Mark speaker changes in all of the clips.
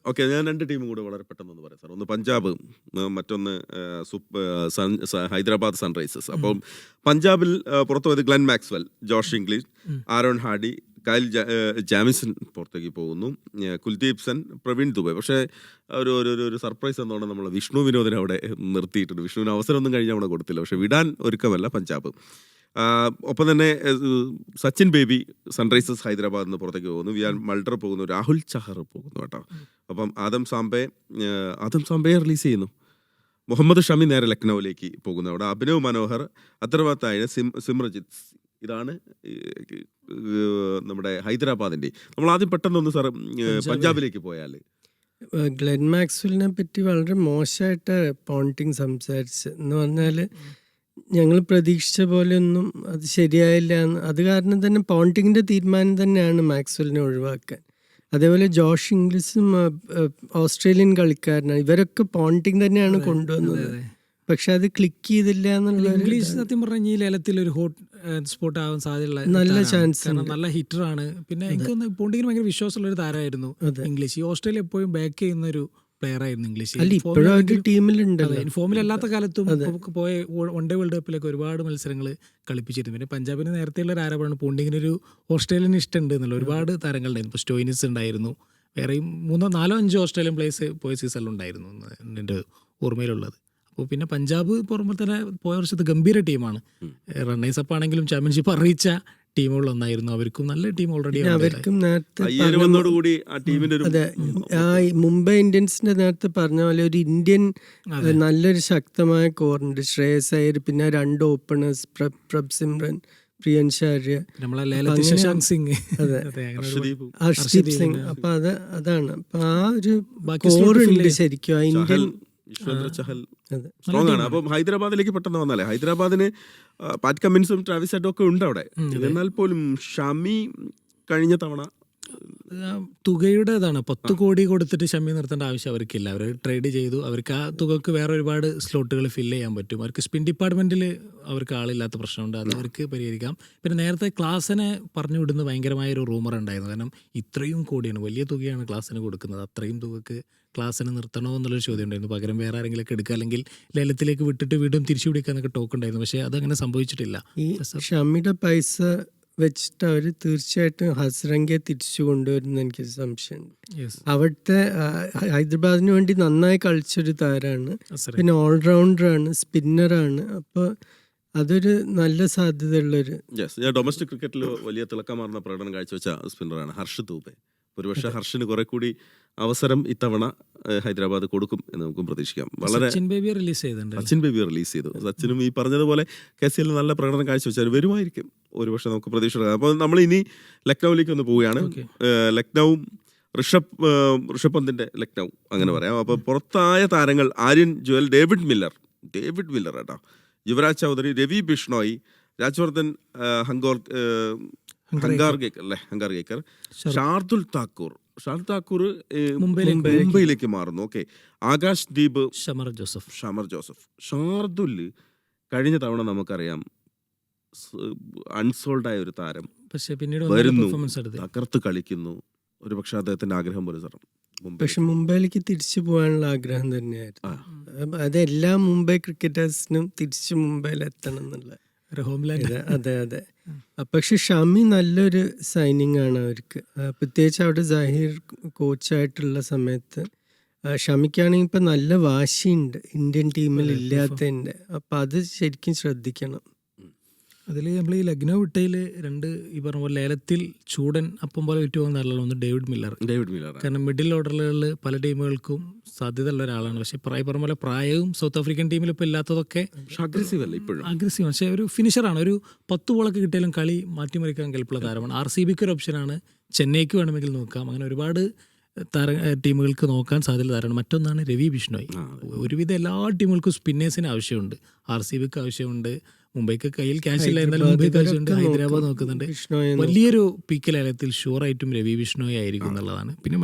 Speaker 1: Okay, ഞാൻ 2 ടീമും കൂടെ വളരെ പെട്ടെന്നൊന്ന് പറയാം സാർ. ഒന്ന് പഞ്ചാബ്, മറ്റൊന്ന് ഹൈദരാബാദ് സൺറൈസേഴ്സ്. അപ്പം പഞ്ചാബിൽ പുറത്തു പോയത് Glenn Maxwell, Josh Inglis, Aaron Hardie, Kyle Jamieson പുറത്തേക്ക് പോകുന്നു, കുൽദീപ് സെൻ, പ്രവീൺ ദുബെ. പക്ഷേ ഒരു സർപ്രൈസ് എന്നോണം നമ്മൾ വിഷ്ണു വിനോദിനെ അവിടെ നിർത്തിയിട്ടുണ്ട്. വിഷ്ണുവിന് അവസരമൊന്നും കഴിഞ്ഞ് അവിടെ കൊടുത്തില്ല. പക്ഷേ വിടാൻ ഒരുക്കമല്ല പഞ്ചാബ്. ഒപ്പം തന്നെ സച്ചിൻ ബേബി സൺറൈസേഴ്സ് ഹൈദരാബാദിൽ നിന്ന് പുറത്തേക്ക് പോകുന്നു, വിയാൻ മൾഡർ പോകുന്നു, രാഹുൽ ചഹർ പോകുന്നു കേട്ടോ. അപ്പം ആദം സാംബയെ റിലീസ് ചെയ്യുന്നു. മുഹമ്മദ് ഷമി നേരെ ലക്നൌവിലേക്ക് പോകുന്നു. അവിടെ അഭിനവ് മനോഹർ, അത്തർവാത്തായ സിമ്രജിത്ത്. ഇതാണ് നമ്മുടെ ഹൈദരാബാദിൻ്റെ. നമ്മൾ ആദ്യം പെട്ടെന്നൊന്ന് സാർ പഞ്ചാബിലേക്ക് പോയാൽ
Speaker 2: ഗ്ലെൻ മാക്സ്വെലിനെ പറ്റി വളരെ മോശമായിട്ട് പോണ്ടിങ് സംസാരിച്ച് എന്ന് പറഞ്ഞാൽ ഞങ്ങൾ പ്രതീക്ഷിച്ച പോലെയൊന്നും അത് ശരിയായില്ല എന്ന്. അത് കാരണം തന്നെ പോണ്ടിങ്ങിൻ്റെ തീരുമാനം തന്നെയാണ് മാക്സ്വെലിനെ ഒഴിവാക്കാൻ. അതേപോലെ ജോഷ് ഇംഗ്ലീഷും ഓസ്ട്രേലിയൻ കളിക്കാരനാണ്. ഇവരൊക്കെ പോണ്ടിങ് തന്നെയാണ് കൊണ്ടുവന്നത്. പക്ഷെ അത് ക്ലിക്ക് ചെയ്തില്ല എന്നുള്ള.
Speaker 3: ഇംഗ്ലീഷ് സത്യം പറഞ്ഞ ഈ ലേലത്തിൽ ഒരു ഹോട്ട് സ്പോട്ട് ആവാൻ സാധ്യതയുള്ള
Speaker 2: നല്ല ചാൻസ്,
Speaker 3: നല്ല ഹിറ്ററാണ്. പിന്നെ എനിക്ക് പോണ്ടിങ്ങിന് ഭയങ്കര വിശ്വാസമുള്ള ഒരു താരമായിരുന്നു ഇംഗ്ലീഷ്. ഈ ഓസ്ട്രേലിയ എപ്പോഴും ബാക്ക് ചെയ്യുന്ന ഒരു പ്ലെയർ ആയിരുന്നു ഇംഗ്ലീഷ്. ഫോമിലല്ലാത്ത കാലത്തും പോയ വൺ ഡേ വേൾഡ് കപ്പിലൊക്കെ ഒരുപാട് മത്സരങ്ങൾ കളിപ്പിച്ചിരുന്നു. പിന്നെ പഞ്ചാബിന് നേരത്തെയുള്ള ഒരു ആരോപണമാണ് പോണ്ടിങ്ങിനൊരു ഓസ്ട്രേലിയൻ ഇഷ്ടമുണ്ട് എന്നുള്ള. ഒരുപാട് താരങ്ങളുണ്ടായിരുന്നു. ഇപ്പോൾ സ്റ്റോയിനിസ് ഉണ്ടായിരുന്നു, വേറെയും 3-4-5 ഓസ്ട്രേലിയൻ പ്ലേയേഴ്സ് പോയ സീസണിലുണ്ടായിരുന്നു എൻ്റെ ഓർമ്മയിലുള്ളത്. അപ്പോൾ പിന്നെ പഞ്ചാബ് പുറമെ തന്നെ പോയ വർഷത്തെ ഗംഭീര ടീമാണ്. റണ്ണേഴ്സ് അപ്പ് ആണെങ്കിലും ചാമ്പ്യൻഷിപ്പ് അറിയിച്ച ടീമുകളൊന്നായിരുന്നു. അവർക്കും നല്ല ടീം ഓൾറെഡി.
Speaker 2: അവർക്കും നേരത്തെ അതെ, ആ മുംബൈ ഇന്ത്യൻസിന്റെ നേരത്തെ പറഞ്ഞ പോലെ ഒരു ഇന്ത്യൻ നല്ലൊരു ശക്തമായ കോറുണ്ട്. ശ്രേയസ് അയ്യർ, പിന്നെ 2 ഓപ്പണേഴ്സ് പ്രഭ് സിമ്രൻ, പ്രിയൻഷ് ആര്യ,
Speaker 3: ശശാങ്ക് സിംഗ്,
Speaker 2: ഹർഷ്ദീപ് സിംഗ്. അപ്പൊ അതാണ് അപ്പൊ ആ ഒരു കോറുണ്ട് ശരിക്കും ആ ഇന്ത്യൻ.
Speaker 1: സ്ട്രോങ് ആണ്. അപ്പം ഹൈദരാബാദിലേക്ക് പെട്ടെന്ന് വന്നാലേ, ഹൈദരാബാദിന് പാറ്റ് കമ്മിൻസും ട്രാവിസ് ഹെഡും ഒക്കെ ഉണ്ട് അവിടെ. എന്നാൽ പോലും ഷമി കഴിഞ്ഞ തവണ
Speaker 3: തുകയുടേതാണ്. 10 കോടി കൊടുത്തിട്ട് ഷമി നിർത്തേണ്ട ആവശ്യം അവർക്കില്ല. അവർ ട്രേഡ് ചെയ്തു. അവർക്ക് ആ തുകക്ക് വേറെ ഒരുപാട് സ്ലോട്ടുകൾ ഫില്ല് ചെയ്യാൻ പറ്റും. അവർക്ക് സ്പിൻ ഡിപ്പാർട്ട്മെന്റിൽ അവർക്ക് ആളില്ലാത്ത പ്രശ്നമുണ്ട്, അത് അവർക്ക് പരിഹരിക്കാം. പിന്നെ നേരത്തെ ക്ലാസ്സിനെ പറഞ്ഞു വിടുന്ന ഭയങ്കരമായ ഒരു റൂമർ ഉണ്ടായിരുന്നു. കാരണം ഇത്രയും കോടിയാണ്, വലിയ തുകയാണ് ക്ലാസ്സിന് കൊടുക്കുന്നത്. അത്രയും തുകക്ക് ക്ലാസ്സിന് നിർത്തണോ എന്നുള്ളൊരു ചോദ്യം ഉണ്ടായിരുന്നു. പകരം വേറെ ആരെങ്കിലൊക്കെ എടുക്കുക, അല്ലെങ്കിൽ ലേലത്തിലേക്ക് വിട്ടിട്ട് വീണ്ടും തിരിച്ചു പിടിക്കാന്നൊക്കെ ടോക്ക് ഉണ്ടായിരുന്നു. പക്ഷേ അതങ്ങനെ സംഭവിച്ചിട്ടില്ല.
Speaker 2: ഈ ഷമിയുടെ പൈസ വെച്ചിട്ട് അവർ തീർച്ചയായിട്ടും ഹസ്രംഗയെ തിരിച്ചു കൊണ്ടുവരുന്ന എനിക്ക് സംശയമുണ്ട്. അവിടുത്തെ ഹൈദരാബാദിന് വേണ്ടി നന്നായി കളിച്ചൊരു താരമാണ്. പിന്നെ ഓൾറൗണ്ടറാണ്, സ്പിന്നറാണ്. അപ്പോൾ അതൊരു നല്ല സാധ്യതയുള്ളൊരു.
Speaker 1: ഞാൻ ഡൊമസ്റ്റിക് ക്രിക്കറ്റിൽ വലിയ തിളക്കമാർന്ന പ്രകടനം കാഴ്ചവെച്ച സ്പിന്നറാണ് ഹർഷ് ദൂബെ. ഒരുപക്ഷെ ഹർഷിന് കുറെ കൂടി അവസരം ഇത്തവണ ഹൈദരാബാദ് കൊടുക്കും എന്ന് നമുക്കും പ്രതീക്ഷിക്കാം. വളരെ
Speaker 3: സച്ചിൻ ബേബി റിലീസ്
Speaker 1: ചെയ്തു. സച്ചിനും ഈ പറഞ്ഞതുപോലെ KCL നല്ല പ്രകടനം കാഴ്ചവെച്ചാൽ വരുമായിരിക്കും, ഒരുപക്ഷെ നമുക്ക് പ്രതീക്ഷ. അപ്പോൾ നമ്മൾ ഇനി ലക്നൌവിലേക്ക് ഒന്ന് പോവുകയാണ്. ലക്നൌവും ഋഷഭ് പന്തിന്റെ ലക്നൌ അങ്ങനെ പറയാം. അപ്പോൾ പുറത്തായ താരങ്ങൾ ആര്യൻ ജുവൽ, ഡേവിഡ് മില്ലർ കേട്ടോ, യുവരാജ് ചൗധരി, രവി ബിഷ്ണോയി, രാജ്വർദ്ധൻ ഹങ്കാർഗേക്കർ, ഷാർദുൽ താക്കൂർ മുംബൈയിലേക്ക് മാറുന്നു. Okay, Akash Deep,
Speaker 3: Shamar
Speaker 1: Joseph. Shardul കഴിഞ്ഞ തവണ നമുക്കറിയാം അൺസോൾഡ് ആയ ഒരു താരം,
Speaker 3: പക്ഷേ പിന്നീട്
Speaker 1: വരുന്നു, തകർത്ത് കളിക്കുന്നു. ഒരു പക്ഷെ അദ്ദേഹത്തിന്റെ ആഗ്രഹം പോലെ സാർ
Speaker 2: പക്ഷെ മുംബൈയിലേക്ക് തിരിച്ചു പോകാനുള്ള ആഗ്രഹം തന്നെയായിരുന്നു. അതെല്ലാ മുംബൈ ക്രിക്കറ്റേഴ്സിനും തിരിച്ചു മുംബൈയിൽ എത്തണം എന്നുള്ള. അതെ. പക്ഷെ ഷമി നല്ലൊരു സൈനിങ് ആണ് അവർക്ക്. പ്രത്യേകിച്ച് അവിടെ സഹീർ കോച്ചായിട്ടുള്ള സമയത്ത് ഷമിക്കാണെങ്കിൽ ഇപ്പം നല്ല വാശിയുണ്ട് ഇന്ത്യൻ ടീമിൽ ഇല്ലാത്തതിൻ്റെ. അപ്പം അത് ശരിക്കും ശ്രദ്ധിക്കണം.
Speaker 3: അതിൽ നമ്മൾ ഈ ലക്നൗ വിട്ടയിൽ 2 ഈ പറഞ്ഞ പോലെ ലേലത്തിൽ ചൂടൻ അപ്പം പോലെ വിറ്റ് പോകുന്ന ആളാണ്. ഒന്ന് ഡേവിഡ് മില്ലർ. കാരണം മിഡിൽ ഓർഡറുകളിൽ പല ടീമുകൾക്കും സാധ്യത ഉള്ള ഒരാളാണ്. പക്ഷേ പറഞ്ഞ പോലെ പ്രായവും സൗത്ത് ആഫ്രിക്കൻ ടീമിൽ ഇപ്പോൾ ഇല്ലാത്തതൊക്കെ അഗ്രസീവ്. പക്ഷേ ഒരു ഫിനിഷറാണ്. ഒരു 10 ബോളൊക്കെ കിട്ടിയാലും കളി മാറ്റിമറിക്കാൻ കെൽപ്പുള്ള താരമാണ്. RCBക്ക് ഒരു ഓപ്ഷനാണ്, ചെന്നൈക്ക് വേണമെങ്കിൽ നോക്കാം. അങ്ങനെ ഒരുപാട് ടീമുകൾക്ക് നോക്കാൻ സാധ്യത താരമാണ്. മറ്റൊന്നാണ് രവി ബിഷ്ണോയ്. ഒരുവിധം എല്ലാ ടീമുകൾക്കും സ്പിന്നേഴ്സിന് ആവശ്യമുണ്ട്. RCBക്ക് ആവശ്യമുണ്ട്, മുംബൈക്ക് കയ്യിൽ ക്യാഷ് ഇല്ല, എന്നാലും മുംബൈക്ക് ആവശ്യമുണ്ട്, ഹൈദരാബാദ് നോക്കുന്നുണ്ട്. വലിയൊരു പീക്ക് ലേലത്തിൽ ഷുവറായിട്ടും രവി ബിഷ്ണോയ് ആയിരിക്കും എന്നുള്ളതാണ്. പിന്നെ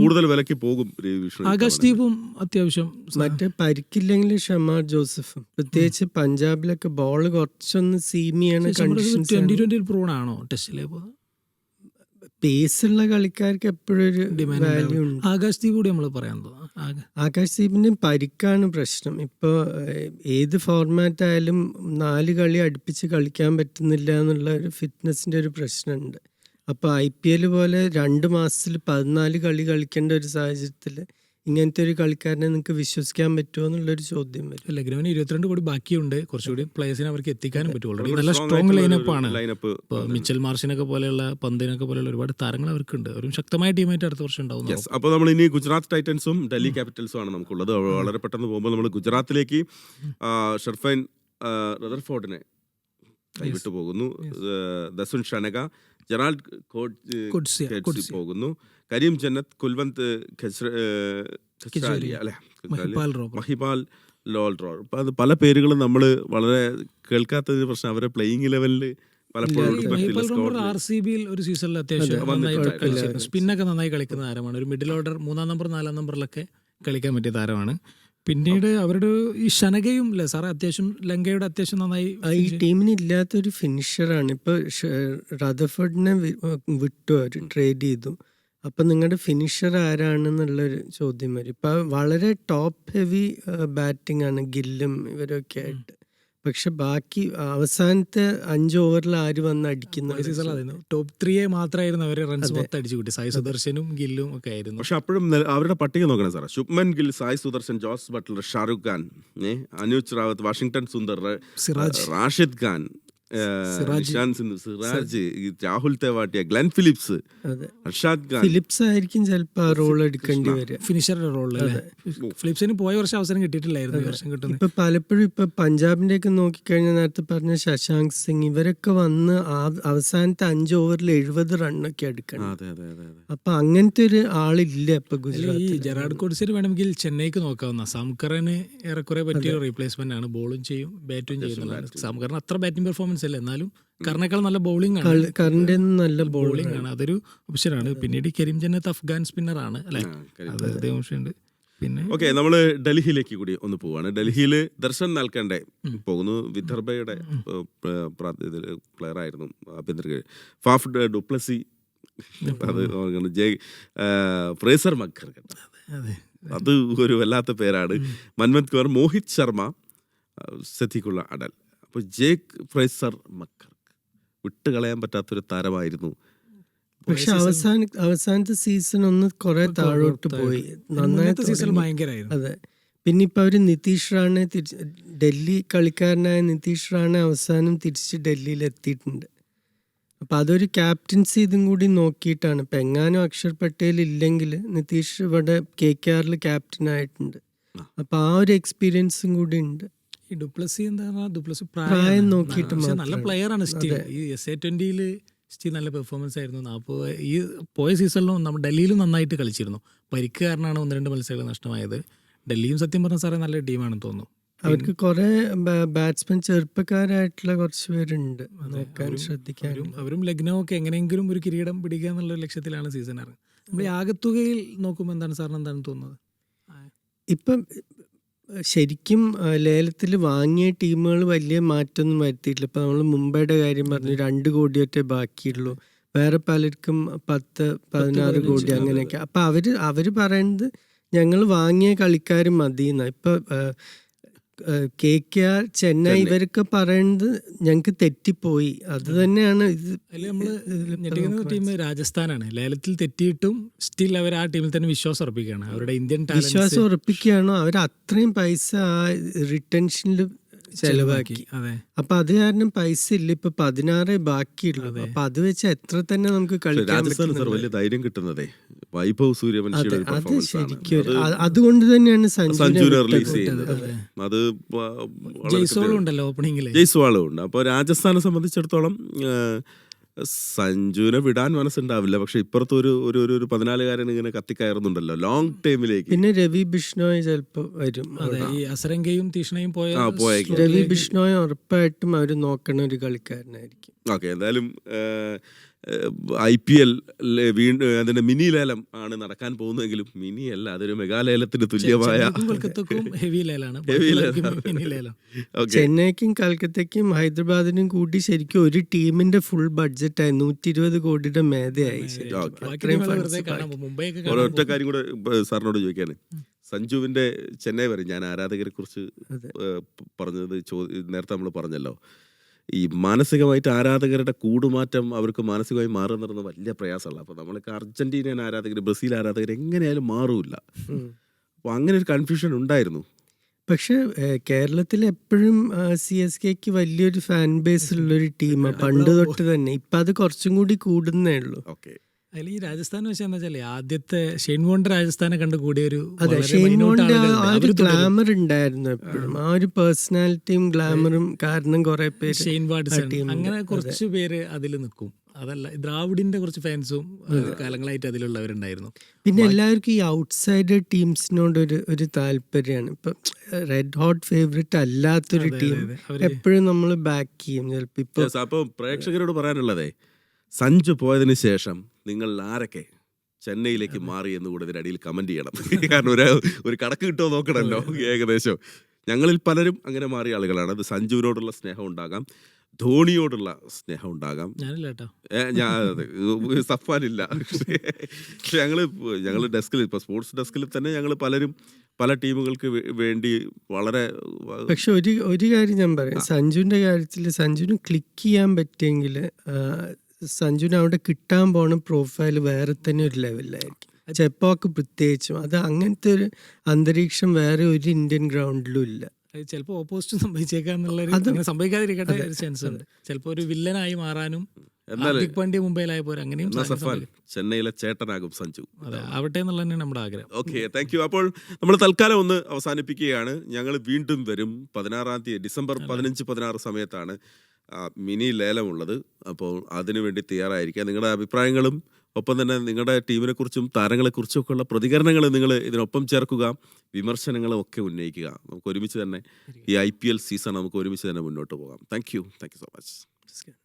Speaker 3: ആകാശ് ദീപും അത്യാവശ്യം.
Speaker 2: മറ്റേ പരിക്കില്ലെങ്കിൽ ഷമാർ ജോസഫും, പ്രത്യേകിച്ച് പഞ്ചാബിലൊക്കെ ബോൾ കുറച്ചൊന്ന് സീമിയാണ്.
Speaker 3: 2020 പ്രൂൺ ആണോ ടെസ്റ്റിലെ?
Speaker 2: പേസുള്ള കളിക്കാർക്ക് എപ്പോഴും ഒരു വാല്യൂ ഉണ്ട്.
Speaker 3: ആകാശ് ദീപ് കൂടി നമ്മൾ പറയാൻ തോന്നുന്നു.
Speaker 2: ആകാശ് ദീപിന്റെ പരിക്കാണ് പ്രശ്നം. ഇപ്പോൾ ഏത് ഫോർമാറ്റ് ആയാലും 4 കളി അടുപ്പിച്ച് കളിക്കാൻ പറ്റുന്നില്ല എന്നുള്ള ഒരു ഫിറ്റ്നസിന്റെ ഒരു പ്രശ്നമുണ്ട്. അപ്പോൾ IPL പോലെ 2 മാസത്തിൽ 14 കളി കളിക്കേണ്ട ഒരു സാഹചര്യത്തിൽ ഇങ്ങനത്തെ ഒരു കളിക്കാരനെ നിങ്ങൾക്ക് വിശ്വസിക്കാൻ പറ്റുമോ എന്നുള്ളൊരു ചോദ്യം വരും.
Speaker 3: ലഗ്നോവിന് 22 കോടി ബാക്കിയുണ്ട്. കുറച്ചുകൂടി പ്ലേയേഴ്സിനെ അവർക്ക് എത്തിക്കാനും പറ്റും. ഓൾറെഡി നല്ല സ്ട്രോങ് ലൈനപ്പാണ്. ഇപ്പോൾ മിച്ചൽ മാർഷിനൊക്കെ പോലെയുള്ള പന്തിനൊക്കെ പോലെയുള്ള ഒരുപാട് താരങ്ങൾ അവർക്കുണ്ട്. ഒരു ശക്തമായ ടീമായിട്ട് അടുത്ത വർഷം ഉണ്ടാവും.
Speaker 1: അപ്പോൾ നമ്മൾ ഇനി ഗുജറാത്ത് ടൈറ്റൻസും ഡൽഹി ക്യാപിറ്റൽസും ആണ് നമുക്കുള്ളത്. വളരെ പെട്ടെന്ന് പോകുമ്പോൾ നമ്മൾ ഗുജറാത്തിലേക്ക് ഷെർഫൈൻ റദർഫോർഡിനെ കൈവിട്ടു പോകുന്നു. ദസുൻ ഷനക, ജെറാൾഡ് കോഡ്സി പോകുന്നു. കരീം ജന്നത്ത്, കുൽവന്ത് മഹിപാൽ ലോൾറോ. അപ്പം അത് പല പേരുകളും നമ്മൾ വളരെ കേൾക്കാത്തതിന് പ്രശ്നം അവരെ പ്ലേയിങ് ലെവലിൽ പലപ്പോഴും
Speaker 3: RCBയിൽ ഒരു സീസണിൽ അത്യാവശ്യം സ്പിന്നൊക്കെ നന്നായി കളിക്കുന്ന താരമാണ്. ഒരു മിഡിൽ ഓർഡർ 3-ാം നമ്പർ 4-ാം നമ്പറിലൊക്കെ കളിക്കാൻ പറ്റിയ താരമാണ്. പിന്നീട് അവരുടെ ഈ ഷനകയും അല്ലേ സാറേ അത്യാവശ്യം ലങ്കയുടെ അത്യാവശ്യം നന്നായി
Speaker 2: ഈ ടീമിന് ഇല്ലാത്തൊരു ഫിനിഷറാണ്. ഇപ്പൊ റദർഫോർഡിനെ വിട്ടു, അവർ ട്രേഡ് ചെയ്തു. അപ്പൊ നിങ്ങളുടെ ഫിനിഷർ ആരാണെന്നുള്ളൊരു ചോദ്യം വരും. ഇപ്പൊ വളരെ ടോപ്പ് ഹെവി ബാറ്റിംഗ് ആണ് ഗില്ലും ഇവരൊക്കെ ആയിട്ട്. പക്ഷെ ബാക്കി അവസാനത്തെ 5 ഓവറിൽ ആര് വന്ന് അടിക്കുന്ന
Speaker 3: ടോപ്പ് 3 മാത്രമായിരുന്നു അവരെ റൺസ് മൊത്തം അടിച്ചു കൂട്ടി. സായി സുദർശനും ഗില്ലും ഒക്കെ ആയിരുന്നു.
Speaker 1: പക്ഷെ അപ്പോഴും അവരുടെ പട്ടിക നോക്കണം സാറേ. Shubman Gill, Sai Sudharsan, Jos Buttler, Shahrukh Khan, Anuj Rawat, Washington Sundar, Rashid Khan, Siraj, Rahul Tewatia, Glenn Phillips, Arshad Khan.
Speaker 2: Phillips ആയിരിക്കും ചിലപ്പോൾ റോൾ എടുക്കേണ്ടി വരിക,
Speaker 3: ഫിനിഷറുടെ റോളിൽ. ഫിലിപ്സിന് പോയ വർഷം അവസരം കിട്ടിയിട്ടില്ലായിരുന്നു. വർഷം കിട്ടുന്നത്
Speaker 2: ഇപ്പൊ പലപ്പോഴും ഇപ്പൊ പഞ്ചാബിന്റെ ഒക്കെ നോക്കിക്കഴിഞ്ഞാൽ നേരത്തെ പറഞ്ഞ ശശാങ്ക് സിംഗ് ഇവരൊക്കെ വന്ന് അവസാനത്തെ 5 ഓവറിൽ 70 റണ്ണൊക്കെ എടുക്കണം. അപ്പൊ അങ്ങനത്തെ ഒരു ആളില്ല ഇപ്പൊ ഗുജറാത്ത്.
Speaker 3: ഈ ജെറാഡ് കോഡ്സിന് വേണമെങ്കിൽ ചെന്നൈക്ക് നോക്കാവുന്ന. സംകറിന് ഏറെക്കുറെ പറ്റിയ റീപ്ലേസ്മെന്റ് ആണ്. ബോളും ചെയ്യും ബാറ്റും ചെയ്യുന്നതാണ്. സംകറിന് അത്ര ബാറ്റിംഗ് പെർഫോമൻസ് അല്ല, എന്നാലും കറിനേക്കാൾ നല്ല ബോളിംഗ് ആണ്.
Speaker 2: കറിന്റെ നല്ല
Speaker 3: ബോളിംഗ് ആണ്, അതൊരു ഓപ്ഷനാണ്. പിന്നീട് കരീം ജന്നത്ത് അഫ്ഗാൻ സ്പിന്നർ ആണ് അല്ലെ, അതേ ഓപ്ഷനുണ്ട്. പിന്നെ
Speaker 1: ഓക്കെ, നമ്മള് ഡൽഹിയിലേക്ക് കൂടി ഒന്ന് പോവാണ്. ഡൽഹിയിൽ ദർശൻ നൽകണ്ടേ പോകുന്നു. വിദർഭയുടെ പ്ലെയർ ആയിരുന്നു ആഭ്യന്തര ഫാഫ് ഡുപ്ലസി. അത് ഫ്രേസർ മക്കർ, അത് ഒരു വല്ലാത്ത പേരാണ്. മൻമത് കൗർ, മോഹിത് ശർമ്മ, സതികുള്ള അടൽ. അപ്പോൾ ജേക്ക് ഫ്രേസർ മക്കർ വിട്ടുകളയാൻ പറ്റാത്തൊരു താരമായിരുന്നു.
Speaker 2: പക്ഷെ അവസാനത്തെ സീസൺ ഒന്ന് കുറെ താഴോട്ട് പോയി. നന്നായിട്ട്
Speaker 3: സീസൺ ഭയങ്കരമായിരുന്നു.
Speaker 2: അതെ. പിന്നെ ഇപ്പൊ അവര് നിതീഷ് റാണെ ഡൽഹി കളിക്കാരനായ നിതീഷ് റാണെ അവസാനം തിരിച്ച് ഡൽഹിയിൽ എത്തിയിട്ടുണ്ട്. അപ്പൊ അതൊരു ക്യാപ്റ്റൻസി ഇതും കൂടി നോക്കിയിട്ടാണ്. ഇപ്പൊ എങ്ങാനും അക്ഷർ പട്ടേൽ ഇല്ലെങ്കിൽ നിതീഷ് ഇവിടെ KKRൽ ക്യാപ്റ്റൻ ആയിട്ടുണ്ട്. അപ്പൊ ആ ഒരു എക്സ്പീരിയൻസും കൂടി ഉണ്ട്.
Speaker 3: ഈ ഡുപ്ലസി എന്താ, ഡുപ്ലസി
Speaker 2: പ്രായം നോക്കിയിട്ട്
Speaker 3: നല്ല പ്ലെയർ ആണ്. സ്റ്റിൽ ഈ SA20 സ്റ്റിൽ നല്ല പെർഫോമൻസ് ആയിരുന്നു. അപ്പോൾ ഈ പോയ സീസണിലും നമ്മൾ ഡൽഹിയിലും നന്നായിട്ട് കളിച്ചിരുന്നു. പരിക്ക് കാരണമാണ് 1-2 മത്സരങ്ങൾ നഷ്ടമായത്. ഡൽഹിയും സത്യം പറഞ്ഞ സാറേ നല്ല ടീമാണെന്ന് തോന്നുന്നു.
Speaker 2: അവർക്ക് കുറെ ബാറ്റ്സ്മാൻ ചെറുപ്പക്കാരായിട്ടുള്ള കുറച്ച് പേരുണ്ട്, നോക്കാൻ ശ്രദ്ധിക്കാനും.
Speaker 3: അവരും ലഗ്നോ ഒക്കെ എങ്ങനെയെങ്കിലും ഒരു കിരീടം പിടിക്കുക എന്നുള്ള ലക്ഷ്യത്തിലാണ് സീസൺ ഇറങ്ങുന്നത്. നമ്മൾ ഈ ആകത്തുകയിൽ നോക്കുമ്പോൾ എന്താണ് സാറിന് എന്താണ് തോന്നുന്നത്?
Speaker 2: ഇപ്പം ശരിക്കും ലേലത്തിൽ വാങ്ങിയ ടീമുകൾ വലിയ മാറ്റമൊന്നും വരുത്തിയിട്ടില്ല. ഇപ്പം നമ്മൾ മുംബൈയുടെ കാര്യം പറഞ്ഞു, 2 കോടിയൊറ്റേ ബാക്കിയുള്ളൂ. വേറെ പലർക്കും 10-16 കോടി അങ്ങനെയൊക്കെ. അപ്പം അവര് പറയുന്നത് ഞങ്ങൾ വാങ്ങിയ കളിക്കാർ മതിയെന്ന. ഇപ്പം KKR, ചെന്നൈ ഇവരൊക്കെ പറയുന്നത് ഞങ്ങൾക്ക് തെറ്റിപ്പോയി. അത് തന്നെയാണ്
Speaker 3: ടീം രാജസ്ഥാനാണ്. ലേലത്തിൽ തെറ്റിയിട്ടും സ്റ്റിൽ അവർ ആ ടീമിൽ തന്നെ വിശ്വാസം ഉറപ്പിക്കുകയാണ്. അവരുടെ ഇന്ത്യൻ
Speaker 2: വിശ്വാസം ഉറപ്പിക്കുകയാണോ? അവർ അത്രയും പൈസ ആ റിട്ടൻഷനിൽ ചെലവാക്കി. അപ്പൊ അത് കാരണം പൈസ ഇല്ല. ഇപ്പൊ 16 ബാക്കിയുള്ളൂ. അപ്പൊ അത് വെച്ച് എത്ര തന്നെ നമുക്ക് കളിക്കാൻ
Speaker 1: വലിയ ധൈര്യം കിട്ടുന്നതേ വൈഭവ് സൂര്യവംശിയുടെ
Speaker 2: അതുകൊണ്ട് തന്നെയാണ്
Speaker 1: സഞ്ജുവിനെ റിലീസ് ചെയ്യുന്നത്. അത്
Speaker 3: ജയ്സ്വാളും ഉണ്ടല്ലോ ഓപ്പണിംഗിൽ.
Speaker 1: ജയ്സ്വാളും ഉണ്ട്. അപ്പോൾ രാജസ്ഥാനെ സംബന്ധിച്ചിടത്തോളം സഞ്ജുവിനെ വിടാൻ മനസ്സുണ്ടാവില്ല. പക്ഷെ ഇപ്പുറത്ത് ഒരു 14-കാരൻ ഇങ്ങനെ കത്തിക്കയറുന്നുണ്ടല്ലോ ലോങ് ടൈമിലേക്ക്.
Speaker 2: പിന്നെ രവി ബിഷ്ണോയ് ചിലപ്പോ വരും.
Speaker 3: ഈ അസരംഗയും തീഷ്ണയും
Speaker 2: രവി ബിഷ്ണോയ് ഉറപ്പായിട്ടും അവര് നോക്കണ ഒരു കളിക്കാരനായിരിക്കും.
Speaker 1: ഓക്കെ, എന്തായാലും IPL വീണ്ടും അതിന്റെ മിനി ലേലം ആണ് നടക്കാൻ പോകുന്നതെങ്കിലും മിനി അല്ല, അതൊരു മെഗാലേലത്തിന് തുല്യമായ
Speaker 3: കൊൽക്കത്തക്കും ഹെവി ലേലാണ്,
Speaker 1: Heavy ലേലം.
Speaker 3: മിനി ലേലം.
Speaker 1: ഓക്കെ.
Speaker 2: ചെന്നൈക്കും കൽക്കത്തയ്ക്കും ഹൈദരാബാദിനും കൂടി ശരിക്കും ഒരു ടീമിന്റെ ഫുൾ ബഡ്ജറ്റായി 120 കോടിയുടെ മേധയായി ശരിക്കും.
Speaker 1: ഓക്കെ.
Speaker 3: ബാക്കി
Speaker 2: അത്രയും
Speaker 3: ടീമുകൾ
Speaker 2: funds
Speaker 3: വെറുതെ കാണാൻ
Speaker 2: ബാക്കി.
Speaker 3: പോകും. മുംബൈയൊക്കെ കാണാൻ
Speaker 1: ഒരൊറ്റ
Speaker 3: പോകും.
Speaker 1: കാര്യം കൂടെ സാറിനോട് ചോദിക്കാണ്. സഞ്ജുവിന്റെ ചെന്നൈ വരെ ഞാൻ ആരാധകരെ കുറിച്ച്
Speaker 2: അതെ.
Speaker 1: പറഞ്ഞത് നേരത്തെ നമ്മൾ പറഞ്ഞല്ലോ, ഈ മാനസികമായിട്ട് ആരാധകരുടെ കൂടുമാറ്റം അവർക്ക് മാനസികമായി മാറുക എന്ന് പറയുന്നത് വലിയ പ്രയാസമല്ല. അപ്പോൾ നമ്മളൊക്കെ അർജന്റീനിയൻ ആരാധകർ, ബ്രസീൽ ആരാധകർ എങ്ങനെയായാലും മാറൂല. അപ്പോൾ അങ്ങനെ ഒരു കൺഫ്യൂഷൻ ഉണ്ടായിരുന്നു.
Speaker 2: പക്ഷെ കേരളത്തിൽ എപ്പോഴും CSKക്ക് വലിയൊരു ഫാൻ ബേസ് ഉള്ളൊരു ടീമാണ് പണ്ട് തൊട്ട് തന്നെ. ഇപ്പൊ അത് കുറച്ചും കൂടി കൂടുന്നേ ഉള്ളൂ.
Speaker 1: ഓക്കെ.
Speaker 3: അതിൽ ഈ രാജസ്ഥാൻ വെച്ചാൽ എന്താ വെച്ചാൽ ആദ്യത്തെ ഷെയ്ൻ വോണ്ടർ രാജസ്ഥാനെ കണ്ട് കൂടിയ ഒരു
Speaker 2: അതെ,
Speaker 3: വളരെ
Speaker 2: ഷെയ്ൻ
Speaker 3: minute
Speaker 2: വോണ്ടർ
Speaker 3: ആളുകളുണ്ട്.
Speaker 2: ആ ഒരു
Speaker 3: അവര് തുടരും.
Speaker 2: ഗ്ലാമർ ഉണ്ടായിരുന്നു എപ്പോഴും. ആ ഒരു പേഴ്സണാലിറ്റിയും ഗ്ലാമറും കാരണം കുറെ പേര്
Speaker 3: ഷെയ്ൻ വാട്സൺ
Speaker 2: ടീമുണ്ട്.
Speaker 3: അങ്ങനെ കുറച്ച് പേര് അതിൽ നിൽക്കും. അതല്ല, ദ്രാവിഡിന്റെ കുറച്ച് ഫാൻസും കാലങ്ങളായിട്ട് അതിലുള്ളവരുണ്ടായിരുന്നു.
Speaker 2: പിന്നെ എല്ലാവർക്കും ഈ ഔട്ട്സൈഡർ ടീംസിനോട് ഒരു താല്പര്യമാണ്. ഇപ്പൊ റെഡ് ഹോട്ട് ഫേവറേറ്റ് അല്ലാത്തൊരു ടീം എപ്പോഴും നമ്മൾ ബാക്ക് ചെയ്യും ചിലപ്പോ. ഇപ്പൊ
Speaker 1: അപ്പോൾ പ്രേക്ഷകരോട് പറയാനുള്ളതേ, സഞ്ജു പോയതിന് ശേഷം നിങ്ങൾ ആരൊക്കെ ചെന്നൈയിലേക്ക് മാറി എന്ന് കൂടെ ഇതിനടിയിൽ കമന്റ് ചെയ്യണം. കാരണം ഒരു കണക്ക് കിട്ടുമോ നോക്കണമല്ലോ. ഏകദേശം ഞങ്ങളിൽ പലരും അങ്ങനെ മാറിയ ആളുകളാണ്. അത് സഞ്ജുവിനോടുള്ള സ്നേഹം ഉണ്ടാകാം, ധോണിയോടുള്ള സ്നേഹം ഉണ്ടാകാം.
Speaker 3: ഞാനില്ല കേട്ടോ.
Speaker 1: സഫാനില്ല. ഞങ്ങൾ ഡെസ്കിൽ, ഇപ്പോൾ സ്പോർട്സ് ഡെസ്കിൽ തന്നെ ഞങ്ങൾ പലരും പല ടീമുകൾക്ക് വേണ്ടി വളരെ.
Speaker 2: പക്ഷെ ഒരു കാര്യം ഞാൻ പറയാം, സഞ്ജുവിന്റെ കാര്യത്തിൽ സഞ്ജുവിന് ക്ലിക്ക് ചെയ്യാൻ പറ്റിയെങ്കിൽ സഞ്ജുവിന് അവിടെ കിട്ടാൻ പോണ പ്രൊഫൈൽ വേറെ തന്നെ ഒരു ലെവലിലായിരിക്കും. ചെപ്പോക്ക് പ്രത്യേകിച്ചും അത് അങ്ങനത്തെ ഒരു അന്തരീക്ഷം വേറെ ഒരു ഇന്ത്യൻ ഗ്രൗണ്ടിലും ഇല്ല.
Speaker 3: ചിലപ്പോൾ ഓപ്പോസിറ്റ് സംഭവിച്ചേക്കാന്നുള്ള, സംഭവിക്കാതിരിക്കട്ടെ ഒരു ചാൻസ് ഉണ്ട്. ചിലപ്പോൾ ഒരു വില്ലനായി മാറാനും ഹാർദിക് പാണ്ഡ്യ മുംബൈയിലായ പോലെ അങ്ങനെയും
Speaker 1: സഫാൻ ചെന്നൈയിലെ ചേട്ടനാകും സഞ്ജു.
Speaker 3: അതെ, ആവട്ടെ എന്നുള്ള തന്നെയാണ് നമ്മുടെ ആഗ്രഹം.
Speaker 1: Okay, thank you. അപ്പോൾ നമ്മൾ തൽക്കാലം ഒന്ന് അവസാനിപ്പിക്കുകയാണ്. ഞങ്ങൾ വീണ്ടും വരും 16-ാം തീയതി, ഡിസംബർ 15-16 സമയത്താണ് മിനി ലേലമുള്ളത്. അപ്പോൾ അതിനുവേണ്ടി തയ്യാറായിരിക്കുക. നിങ്ങളുടെ അഭിപ്രായങ്ങളും ഒപ്പം തന്നെ നിങ്ങളുടെ ടീമിനെ കുറിച്ചും താരങ്ങളെക്കുറിച്ചും ഒക്കെ ഉള്ള പ്രതികരണങ്ങൾ നിങ്ങൾ ഇതിനൊപ്പം ചേർക്കുക, വിമർശനങ്ങളും ഒക്കെ ഉന്നയിക്കുക. നമുക്ക് ഒരുമിച്ച് തന്നെ ഈ IPL സീസൺ നമുക്ക് ഒരുമിച്ച് തന്നെ മുന്നോട്ട് പോകാം. Thank you so much.